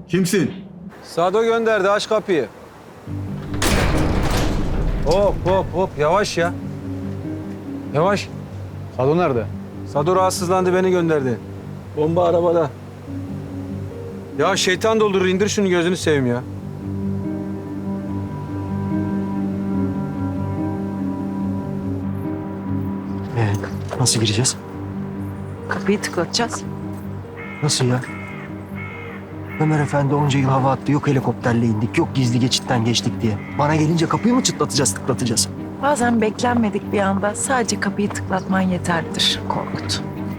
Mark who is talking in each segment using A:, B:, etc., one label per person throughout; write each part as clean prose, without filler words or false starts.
A: Kimsin?
B: Sado gönderdi, aç kapıyı. Hop hop hop, yavaş ya. Yavaş.
A: Sado nerede?
B: Sado rahatsızlandı, beni gönderdi. Bomba arabada. Ya şeytan doldurur, indir şunu, gözünü seveyim ya.
C: Nasıl gireceğiz?
D: Kapıyı tıklatacağız.
C: Nasıl ya? Ömer Efendi onca yıl hava attı. Yok helikopterle indik, yok gizli geçitten geçtik diye. Bana gelince kapıyı mı çıtlatacağız, tıklatacağız?
D: Bazen beklenmedik bir anda sadece kapıyı tıklatman yeterlidir Korkut.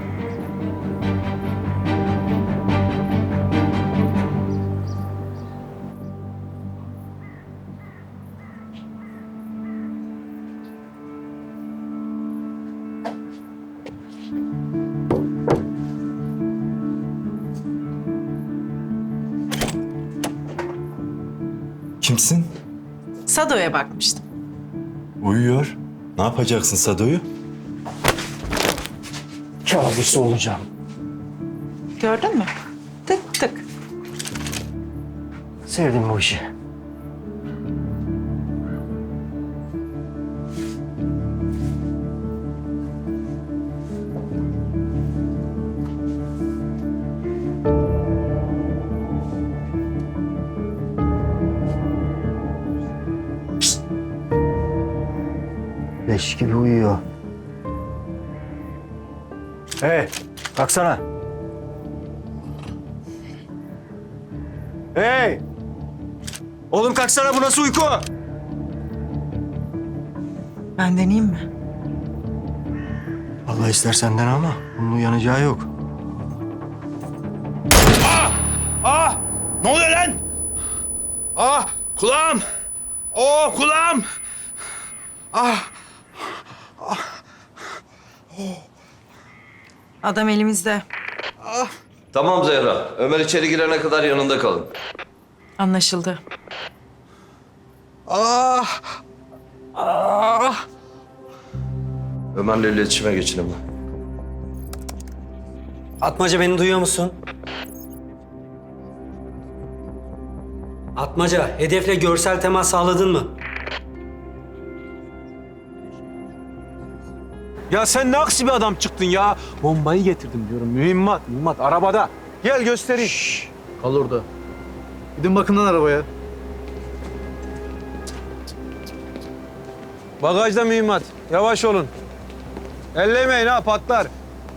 E: Kimsin?
D: Sado'ya bakmıştım.
E: Uyuyor. Ne yapacaksın Sado'yu?
C: Kabusu olacağım.
D: Gördün mü? Tık tık.
C: Sevdim bu işi. Leş gibi uyuyor. Hey, kalksana. Hey! Oğlum kalksana, bu nasıl uyku?
D: Ben deneyeyim mi?
C: Allah ister senden ama bunun uyanacağı yok.
F: Ne oluyor lan? Kulağım! Kulağım!
D: Adam elimizde.
G: Tamam Zehra. Ömer içeri girene kadar yanında kalın.
D: Anlaşıldı.
G: Ömer'le iletişime geçin hemen.
H: Atmaca, beni duyuyor musun? Atmaca, hedefle görsel temas sağladın mı?
B: Ya sen ne aksi bir adam çıktın ya. Bombayı getirdim diyorum. Mühimmat arabada. Gel göstereyim.
A: Kal orada. Gidin bakın lan arabaya.
B: Bagajda mühimmat. Yavaş olun. Ellemeyin ha, patlar.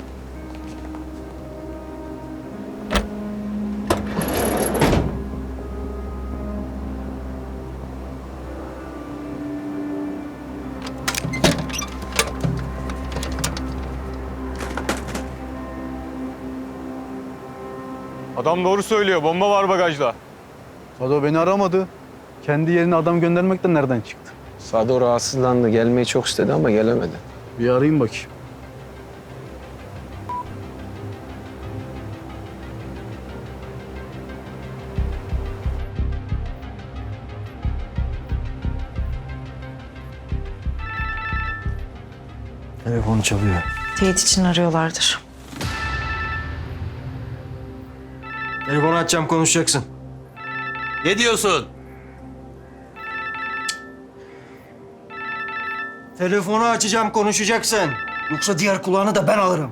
A: Adam doğru söylüyor. Bomba var bagajda. Sado beni aramadı. Kendi yerine adam göndermekten nereden çıktı?
B: Sado rahatsızlandı. Gelmeyi çok istedi ama gelemedi.
A: Bir arayayım bakayım.
C: Telefonu çalıyor.
D: Teyit için arıyorlardır.
C: Telefonu açacağım, konuşacaksın.
F: Ne diyorsun?
C: Telefonu açacağım, konuşacaksın. Yoksa diğer kulağını da ben alırım.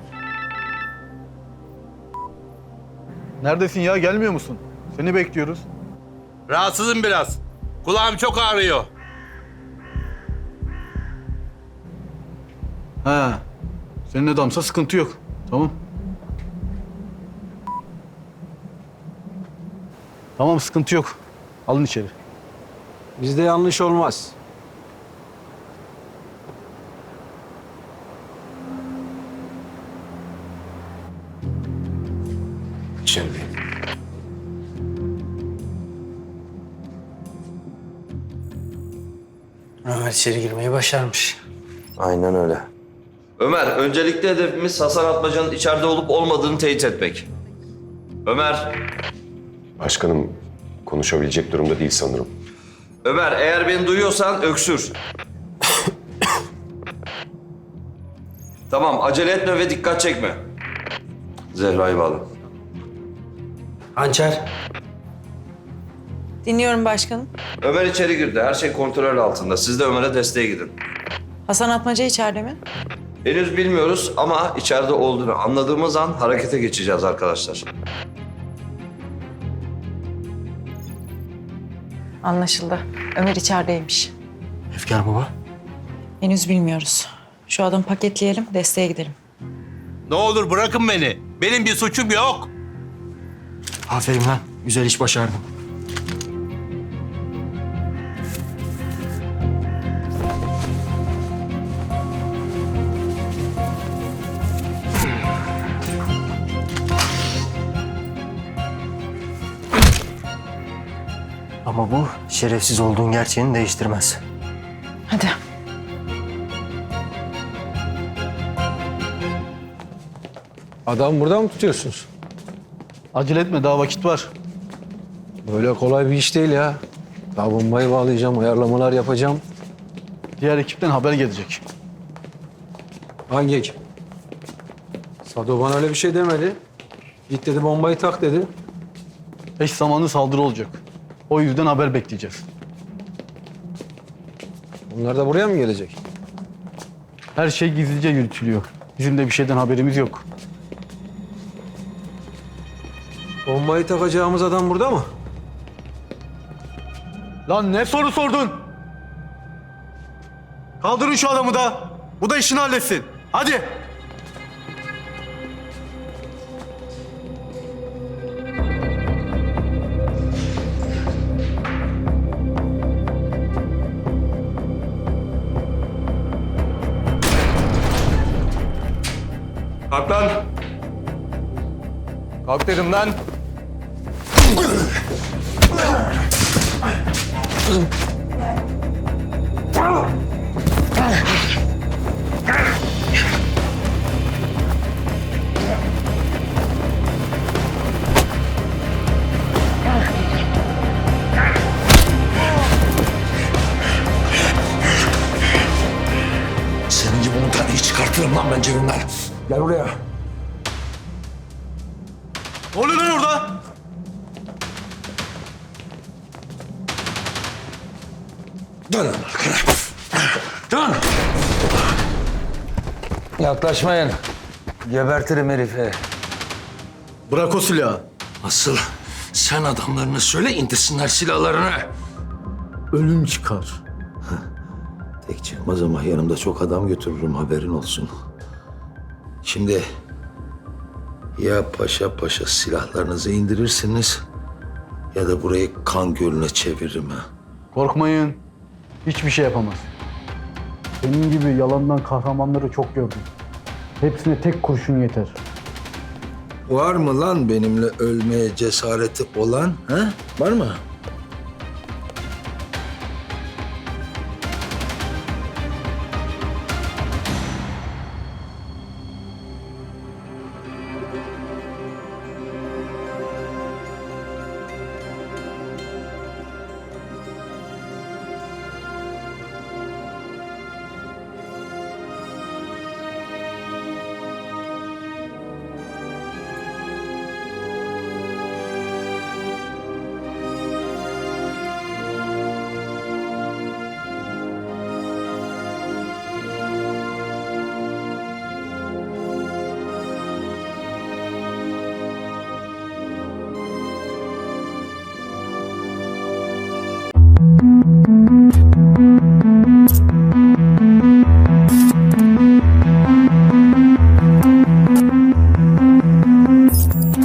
A: Neredesin ya? Gelmiyor musun? Seni bekliyoruz.
F: Rahatsızım biraz. Kulağım çok ağrıyor.
A: Ha. Senin adamsa sıkıntı yok. Tamam. Tamam, sıkıntı yok. Alın içeri.
B: Bizde yanlış olmaz.
E: Şimdi.
H: Ömer içeri girmeyi başarmış.
G: Aynen öyle. Ömer, öncelikle hedefimiz Hasan Atmaca'nın içeride olup olmadığını teyit etmek. Ömer,
I: Başkanım konuşabilecek durumda değil sanırım.
G: Ömer eğer beni duyuyorsan öksür. Tamam, acele etme ve dikkat çekme. Zehra'yı bağla.
H: Hançer,
D: Dinliyorum başkanım.
G: Ömer içeri girdi. Her şey kontrol altında. Siz de Ömer'e desteğe gidin.
D: Hasan Atmaca içeride mi?
G: Henüz bilmiyoruz ama içeride olduğunu anladığımız an harekete geçeceğiz arkadaşlar.
D: Anlaşıldı. Ömer içerideymiş.
C: Efkar baba.
D: Henüz bilmiyoruz. Şu adamı paketleyelim, desteğe gidelim.
F: Ne olur bırakın beni. Benim bir suçum yok.
C: Aferin lan. Güzel iş başardın. Ama bu şerefsiz olduğun gerçeğini değiştirmez.
D: Hadi.
B: Adam burada mı tutuyorsunuz?
A: Acele etme, daha vakit var.
B: Böyle kolay bir iş değil ya. Daha bombayı bağlayacağım, ayarlamalar yapacağım.
A: Diğer ekipten haber gelecek.
B: Hangi ekip? Sado bana öyle bir şey demedi. Git dedi bombayı tak dedi.
A: Eş zamanlı saldırı olacak. O yüzden haber bekleyeceğiz.
B: Onlar da buraya mı gelecek?
A: Her şey gizlice yürütülüyor. Bizim de bir şeyden haberimiz yok.
B: Bombayı takacağımız adam burada mı?
A: Lan ne soru sordun? Kaldırın şu adamı da. Bu da işini halletsin. Hadi.
F: Kalk lan.
A: Kalk dedim lan.
E: Senin gibi 10 taneyi çıkartırım lan ben cebimden. Gel buraya.
A: Ne oluyor lan orada?
E: Dön lan arkana. Dön.
J: Yaklaşmayın. Gebertirim herifi.
A: Bırak o silahı.
E: Asıl sen adamlarına söyle indirsinler silahlarını.
A: Ölüm çıkar.
E: Tek çıkmaz ama yanımda çok adam götürürüm haberin olsun. Şimdi ya paşa paşa silahlarınızı indirirsiniz ya da burayı kan gölüne çeviririm ha.
A: Korkmayın. Hiçbir şey yapamaz. Senin gibi yalandan kahramanları çok gördüm. Hepsine tek kurşun yeter.
E: Var mı lan benimle ölmeye cesareti olan? Ha? Var mı?